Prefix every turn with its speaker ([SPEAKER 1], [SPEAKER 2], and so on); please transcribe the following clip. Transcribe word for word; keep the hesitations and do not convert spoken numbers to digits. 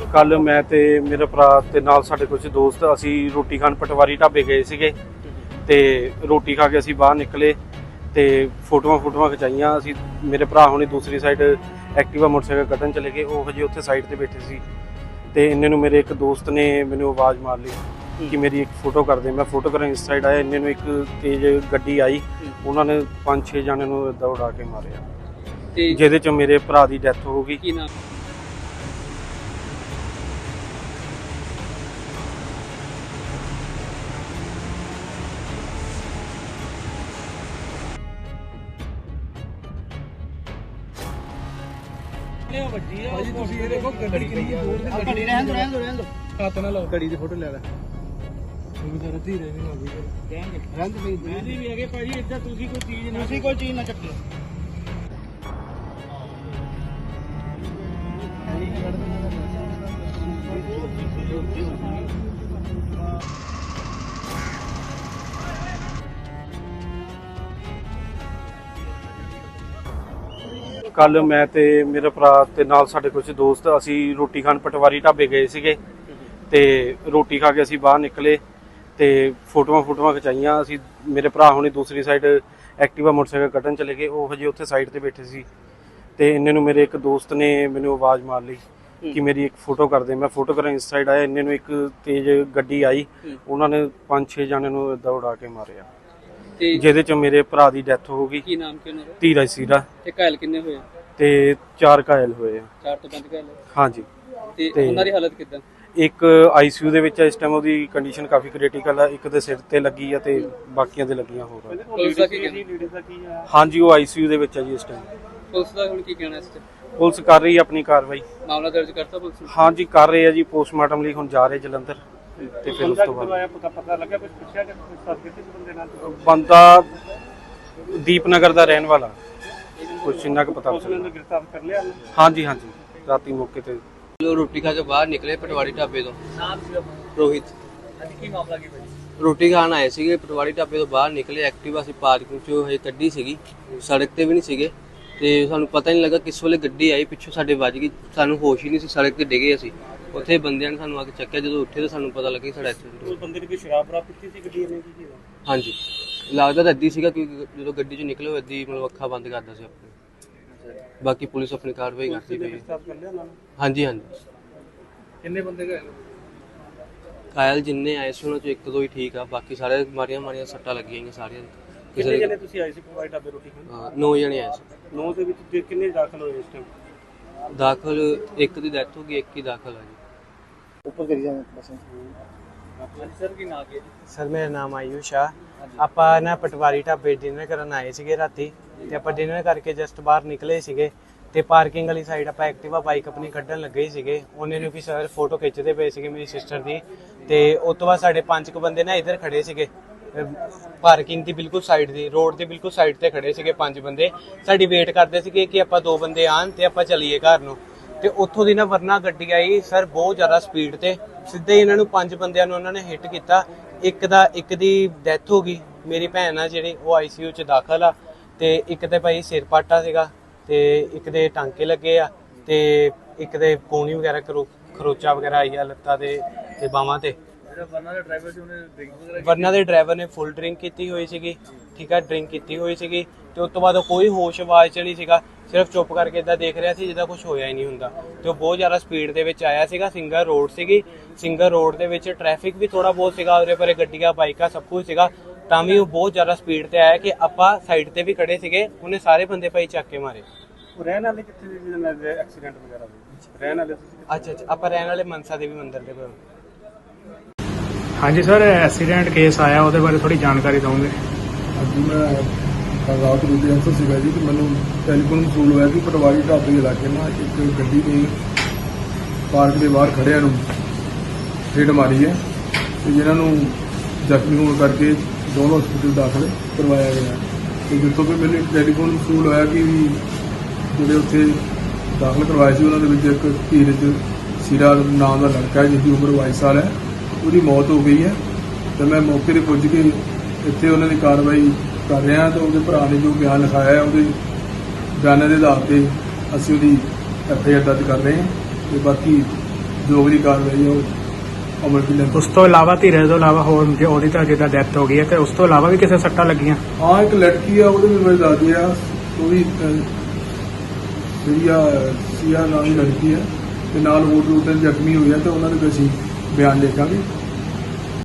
[SPEAKER 1] कल मैं ते मेरा भरा ते नाल साडे कुछ दोस्त असी रोटी खान पटवारी ढाबे गए सीगे ते रोटी खा के असी बाहर निकले ते फोटोआं फोटोआं खिचाइयां। असी मेरे भरा होनी दूसरी साइड एक्टिवा मोटरसाइकिल कड्ढन चले गए, वो हजे उत्थे साइड ते बैठे सी ते इन्ने नूं मेरे एक दोस्त ने मैनूं आवाज़ मार ली कि मेरी एक फोटो कर दे। मैं फोटो करन इस साइड आया, इन्ने नूं एक तेज गड्डी आई, उन्होंने पांच छे जाने नूं इदां उड़ा के मारिया, जिहदे च मेरे भरा दी डैथ हो गई।
[SPEAKER 2] घड़ी की फोटो ले ला धीरे कोई चीज ना चक्की।
[SPEAKER 1] कल मैं ते मेरा भरा ते नाल साडे कुछ दोस्त असी रोटी खान पटवारी ढाबे गए सीगे ते रोटी खा के असी बाहर निकले ते फोटोआं फोटोआं खिचाइयां। असी मेरे भरा होनी दूसरी साइड एक्टिवा मोटरसाइकिल कड्ढन चले गए, वो हजे उत्थे साइड ते बैठे सी ते इन्ने नूं मेरे एक दोस्त ने मैनूं आवाज़ मार ली कि मेरी एक फोटो कर दे। मैं फोटो करन इस साइड आया, इन्ने नूं एक तेज गड्डी आई, उन्होंने पांच छे जाने नूं इदां उड़ा के मारिया, जिहदे च मेरे भरा दी डैथ हो गई।
[SPEAKER 2] की नाम की उन्हां दा?
[SPEAKER 1] धीरज सीरा।
[SPEAKER 2] ते घायल किन्ने होए?
[SPEAKER 1] ते चार घायल होए।
[SPEAKER 2] चार तो पंज घायल?
[SPEAKER 1] हाँ जी।
[SPEAKER 2] ते उन्हां दी हालत किदां?
[SPEAKER 1] एक आईसीयू दे विच इस टाइम ओदी कंडीशन काफ़ी क्रिटिकल है, एक दे सिर ते लगी है ते बाकियां दे लगियां होर।
[SPEAKER 2] पुलिस दा की कहना?
[SPEAKER 1] हाँ जी, वो आईसीयू दे विच है जी इस टाइम।
[SPEAKER 2] पुलिस दा हुण की कहना इस ते?
[SPEAKER 1] पुलिस कर रही है अपनी कार्रवाई।
[SPEAKER 2] मामला दर्ज करता पुलिस ने?
[SPEAKER 1] हाँ जी कर रहे हैं जी, पोस्टमार्टम लई हुण जा रहे जलंधर ते फिर उस तो बाद
[SPEAKER 2] पता लगा कुछ पुछया कि किस बंदे नाल?
[SPEAKER 1] बंदा दीपनगर दा रहन वाला, कुछ इन्ना क पता
[SPEAKER 2] गिरफ्तार कर लिया?
[SPEAKER 1] हाँ जी हाँ जी, राती मौके ते
[SPEAKER 3] रोटी खा के बाहर निकले पटवारी ढाबे तो। रोहित।
[SPEAKER 2] की मामला की
[SPEAKER 3] रोटी खान आए ਸੀਗੇ ਪਟਵਾਰੀ ਢਾਬੇ ਤੋਂ ਬਾਹਰ ਨਿਕਲੇ, ਐਕਟਿਵਾ ਅਸੀਂ ਪਾਰਕਿੰਗ ਚੋਂ ਹਜੇ ਕੱਢੀ ਸੀਗੀ, ਸੜਕ ਤੇ ਵੀ ਨਹੀਂ ਸੀਗੇ ਤੇ ਸਾਨੂੰ ਪਤਾ ਨਹੀਂ ਲੱਗਾ ਕਿਸ ਵੇਲੇ ਗੱਡੀ ਆਈ ਪਿੱਛੋਂ ਸਾਡੇ ਵੱਜ ਗਈ, ਸਾਨੂੰ ਹੋਸ਼ ਹੀ ਨਹੀਂ ਸੀ, ਸੜਕ ਤੇ ਡਿੱਗੇ ਅਸੀਂ। ਉੱਥੇ ਬੰਦਿਆਂ ਨੇ ਸਾਨੂੰ ਆ ਕੇ ਚੱਕਿਆ, ਜਦੋਂ ਉੱਠੇ ਤਾਂ ਸਾਨੂੰ ਪਤਾ ਲੱਗਾ ਸਾਡਾ ਐਕਸੀਡੈਂਟ ਹੋ ਗਿਆ।
[SPEAKER 2] ਬੰਦੇ ਨੇ ਕੋਈ ਸ਼ਰਾਬ ਬਰਾ ਪੀਤੀ ਸੀ ਗੱਡੀ ਨੇ ਕੀ?
[SPEAKER 3] ਹਾਂਜੀ ਲੱਗਦਾ ਤਾਂ ਅੱਧੀ ਸੀਗਾ, ਕਿਉਂਕਿ ਜਦੋਂ ਗੱਡੀ ਚੋਂ ਨਿਕਲੇ ਉਹ ਅੱਧੀ ਮਤਲਬ ਅੱਖਾਂ ਬੰਦ ਕਰਦਾ ਸੀ ਆਪਣੀ। ਬਾਕੀ ਪੁਲਿਸ ਆਪਣੀ ਕਾਰਵਾਈ ਕਰਦੀ ਪਈ ਹੈ। ਹਾਂਜੀ ਹਾਂਜੀ।
[SPEAKER 2] ਕਿੰਨੇ ਬੰਦੇ ਗਏ?
[SPEAKER 3] ਘਾਇਲ ਜਿੰਨੇ ਆਏ ਸੀ ਉਹਨਾਂ ਚੋਂ ਇੱਕ ਦੋ ਹੀ ਠੀਕ ਆ, ਬਾਕੀ ਸਾਰੇ ਮਾਰੀਆਂ ਮਾਰੀਆਂ ਸੱਟਾਂ ਲੱਗੀਆਂ ਗਈਆਂ ਸਾਰੀਆਂ।
[SPEAKER 2] ਕਿੰਨੇ ਜਣੇ ਤੁਸੀਂ ਆਏ ਸੀ ਪਟਵਾਰੀ ਢਾਬੇ ਰੋਟੀ ਖਾਣ?
[SPEAKER 3] ਨੌ ਜਣੇ ਆਏ ਸੀ।
[SPEAKER 2] ਨੌ ਦੇ ਵਿੱਚ ਕਿੰਨੇ ਦਾਖਲ ਹੋਏ ਇਸ ਟਾਈਮ?
[SPEAKER 3] ਦਾਖਲ ਇੱਕ ਦੀ ਡੈਥ ਹੋ ਗਈ, ਇੱਕ ਹੀ ਦਾਖਲ ਆ ਜੀ।
[SPEAKER 2] ਉੱਪਰ ਕਰੀ ਜਾਂਦੇ ਬਸ। ਸਰ ਕੀ ਨਾਮ ਹੈ ਜੀ?
[SPEAKER 4] ਸਰ ਮੇਰਾ ਨਾਮ ਆਯੂਸ਼ ਆ। ਆਪਾਂ ਨਾ ਪਟਵਾਰੀ ਢਾਬੇ ਡਿਨਰ ਕਰਨ ਆਏ ਸੀਗੇ ਰਾਤੀ ਤੇ ਆਪਾਂ ਡਿਨਰ ਕਰਕੇ ਜਸਟ ਬਾਹਰ ਨਿਕਲੇ ਸੀਗੇ ਤੇ ਪਾਰਕਿੰਗ ਵਾਲੀ ਸਾਈਡ ਆਪਾਂ ਐਕਟਿਵਾ ਬਾਈਕ ਆਪਣੀ ਕੱਢਣ ਲੱਗੇ ਹੀ ਸੀਗੇ। ਉਹਨੇ ਨੂੰ ਕਿ ਸਰ ਫੋਟੋ ਖਿੱਚਦੇ ਪਏ ਸੀਗੇ ਮੇਰੀ ਸਿਸਟਰ ਦੀ, ਤੇ ਉਸ ਤੋਂ ਬਾਅਦ ਸਾਡੇ ਪੰਜ ਕੁ ਬੰਦੇ ਨਾ ਇੱਧਰ ਖੜੇ ਸੀਗੇ ਪਾਰਕਿੰਗ ਦੀ ਬਿਲਕੁਲ ਸਾਈਡ ਦੀ, ਰੋਡ ਦੇ ਬਿਲਕੁਲ ਸਾਈਡ ਤੇ ਖੜੇ ਸੀਗੇ ਪੰਜ ਬੰਦੇ, ਸਾਡੀ ਵੇਟ ਕਰਦੇ ਸੀਗੇ ਕਿ ਆਪਾਂ ਦੋ ਬੰਦੇ ਆਣ ਤੇ ਆਪਾਂ ਚੱਲੀਏ ਘਰ ਨੂੰ। ਤੇ ਉੱਥੋਂ ਦੀ ਨਾ ਵਰਨਾ ਗੱਡੀ ਆਈ ਸਰ ਬਹੁਤ ਜ਼ਿਆਦਾ ਸਪੀਡ ਤੇ, ਸਿੱਧੇ ਇਹਨਾਂ ਨੂੰ ਪੰਜ ਬੰਦਿਆਂ ਨੂੰ ਉਹਨਾਂ ਨੇ ਹਿੱਟ ਕੀਤਾ। ਇੱਕ ਦਾ ਇੱਕ ਦੀ ਡੈਥ ਹੋ ਗਈ, ਮੇਰੀ ਭੈਣ ਆ ਜਿਹੜੀ ਉਹ ਆਈਸੀਯੂ 'ਚ ਦਾਖਲ ਆ, ਤੇ ਇੱਕ ਤੇ ਭਾਈ ਸਿਰ ਪਾਟਾ ਸੀਗਾ, ਤੇ ਇੱਕ ਦੇ ਟਾਂਕੇ ਲੱਗੇ ਆ, ਤੇ ਇੱਕ ਦੇ ਕੋਣੀ ਵਗੈਰਾ ਖਰੋਚਾ ਵਗੈਰਾ ਆਈ ਆ ਲੱਤਾਂ ਦੇ ਤੇ ਬਾਹਾਂ ਤੇ।
[SPEAKER 2] ਵਰਨਾ ਦੇ ਡਰਾਈਵਰ ਸੀ ਉਹਨੇ ਡਰਿੰਕ ਵਗੈਰਾ?
[SPEAKER 4] ਵਰਨਾ ਦੇ ਡਰਾਈਵਰ ਨੇ ਫੁੱਲ ਡਰਿੰਕ ਕੀਤੀ ਹੋਈ ਸੀਗੀ, ਠੀਕ ਆ, ਡਰਿੰਕ ਕੀਤੀ ਹੋਈ ਸੀਗੀ, ਤੇ ਉਸ ਤੋਂ ਬਾਅਦ ਉਹ ਕੋਈ ਹੋਸ਼ ਆਵਾਜ਼ 'ਚ ਨਹੀਂ ਸੀਗਾ, ਸਿਰਫ ਚੁੱਪ ਕਰਕੇ ਇਦਾਂ ਦੇਖ ਰਿਹਾ ਸੀ ਜਿੱਦਾਂ ਕੁਝ ਹੋਇਆ ਹੀ ਨਹੀਂ ਹੁੰਦਾ। ਤੇ ਉਹ ਬਹੁਤ ਜ਼ਿਆਦਾ ਸਪੀਡ ਦੇ ਵਿੱਚ ਆਇਆ ਸੀਗਾ। ਸਿੰਗਲ ਰੋਡ ਸੀਗੀ, ਸਿੰਗਲ ਰੋਡ ਦੇ ਵਿੱਚ ਟ੍ਰੈਫਿਕ ਵੀ ਥੋੜਾ ਬਹੁਤ ਸੀਗਾ, ਉਰੇ ਪਰੇ ਗੱਡੀਆਂ ਬਾਈਕਾਂ ਸਭ ਕੁਝ ਸੀਗਾ, ਤਾਂ ਵੀ ਉਹ ਬਹੁਤ ਜ਼ਿਆਦਾ ਸਪੀਡ ਤੇ ਆਇਆ ਕਿ ਆਪਾਂ ਸਾਈਡ ਤੇ ਵੀ ਖੜੇ ਸੀਗੇ, ਉਹਨੇ ਸਾਰੇ ਬੰਦੇ ਭਾਈ ਚੱਕ ਕੇ ਮਾਰੇ।
[SPEAKER 2] ਰਹਿਣ ਵਾਲੇ ਕਿੱਥੇ ਦੇ ਜਿਹਨਾਂ ਨਾਲ ਐਕਸੀਡੈਂਟ ਵਗੈਰਾ ਹੋਇਆ? ਰਹਿਣ ਵਾਲੇ?
[SPEAKER 4] ਅੱਛਾ ਅੱਛਾ, ਆਪਾਂ ਰਹਿਣ ਵਾਲੇ ਮਨਸਾ ਦੇਵੀ ਮੰਦਿਰ ਦੇ ਕੋਲ।
[SPEAKER 5] ਹਾਂਜੀ ਸਰ, ਐਕਸੀਡੈਂਟ ਕੇਸ ਆਇਆ, ਉਹਦੇ ਬਾਰੇ ਥੋੜੀ ਜਾਣਕਾਰੀ ਦਵਾਂਗੇ।
[SPEAKER 6] ਅੱਜ ਮੈਂ ਰਾਤ ਨੂੰ ਦੇ ਅੰਸਰ ਸੀਗਾ ਜੀ, ਕਿ ਮੈਨੂੰ ਟੈਲੀਫੋਨ ਮਸੂਲ ਹੋਇਆ ਕਿ ਪਟਵਾਰੀ ਢਾਬੇ ਦੇ ਇਲਾਕੇ ਨਾਲ ਇੱਕ ਗੱਡੀ ਨੇ ਪਾਰਕ ਦੇ ਬਾਹਰ ਖੜਿਆਂ ਨੂੰ ਹਿੱਟ ਮਾਰੀ ਹੈ, ਤੇ ਜਿਨ੍ਹਾਂ ਨੂੰ ਜ਼ਖਮੀ ਹੋਣ ਕਰਕੇ ਦੋਨੋਂ ਹਸਪਤਾਲ ਦਾਖਲ ਕਰਵਾਇਆ ਗਿਆ। ਤੇ ਜਿੱਥੋਂ ਵੀ ਮੈਨੂੰ ਟੈਲੀਫੋਨ ਮਸੂਲ ਹੋਇਆ ਕਿ ਜਿਹੜੇ ਉੱਥੇ ਦਾਖਲ ਕਰਵਾਏ ਸੀ ਉਹਨਾਂ ਦੇ ਵਿੱਚ ਇੱਕ ਧੀਰਜ ਸੀਰਾ ਨਾਮ ਦਾ ਲੜਕਾ ਹੈ ਜਿਸਦੀ ਉਮਰ ਬਾਈ ਸਾਲ ਹੈ, ਉਹਦੀ ਮੌਤ ਹੋ ਗਈ ਹੈ। ਤੇ ਮੈਂ ਮੌਕੇ 'ਤੇ ਪੁੱਜ ਕੇ ਇੱਥੇ ਉਹਨਾਂ ਦੀ ਕਾਰਵਾਈ ਕਰ ਰਿਹਾ, ਤਾਂ ਉਹਦੇ ਭਰਾ ਨੇ ਜੋ ਬਿਆਨ ਲਿਖਾਇਆ ਹੈ ਉਹਦੇ ਬਿਆਨਾਂ ਦੇ ਆਧਾਰ 'ਤੇ ਅਸੀਂ ਉਹਦੀ ਐਫ ਆਈ ਆਰ ਦਰਜ ਕਰ ਰਹੇ ਹਾਂ, ਤੇ ਬਾਕੀ ਜੋ ਵੀ ਕਾਰਵਾਈ ਹੈ ਉਹ ਅਮਲ ਕੀ ਲੈਂਦੇ।
[SPEAKER 5] ਉਸ ਤੋਂ ਇਲਾਵਾ ਧੀਰੇ ਤੋਂ ਇਲਾਵਾ ਹੋਰ ਜੇ ਉਹਦੀ ਤਾਂ ਜਿੱਦਾਂ ਡੈਥ ਹੋ ਗਈ ਹੈ ਤੇ ਉਸ ਤੋਂ ਇਲਾਵਾ ਵੀ ਕਿਸੇ ਸੱਟਾਂ ਲੱਗੀਆਂ?
[SPEAKER 6] ਹਾਂ ਇੱਕ ਲੜਕੀ ਆ ਉਹਦੇ ਵੀ ਮੇਰੇ ਦਾਦੀ ਆ, ਉਹ ਵੀ ਸੀਆ ਸੀਆ ਨਾਮ ਦੀ ਲੜਕੀ ਹੈ ਤੇ ਨਾਲ ਹੋਰ ਦੋ ਤਿੰਨ ਜ਼ਖਮੀ ਹੋਏ ਆ ਤੇ ਉਹਨਾਂ ਦੇ ਵੀ ਅਸੀਂ ਬਿਆਨ ਲਿਖਾਂਗੇ।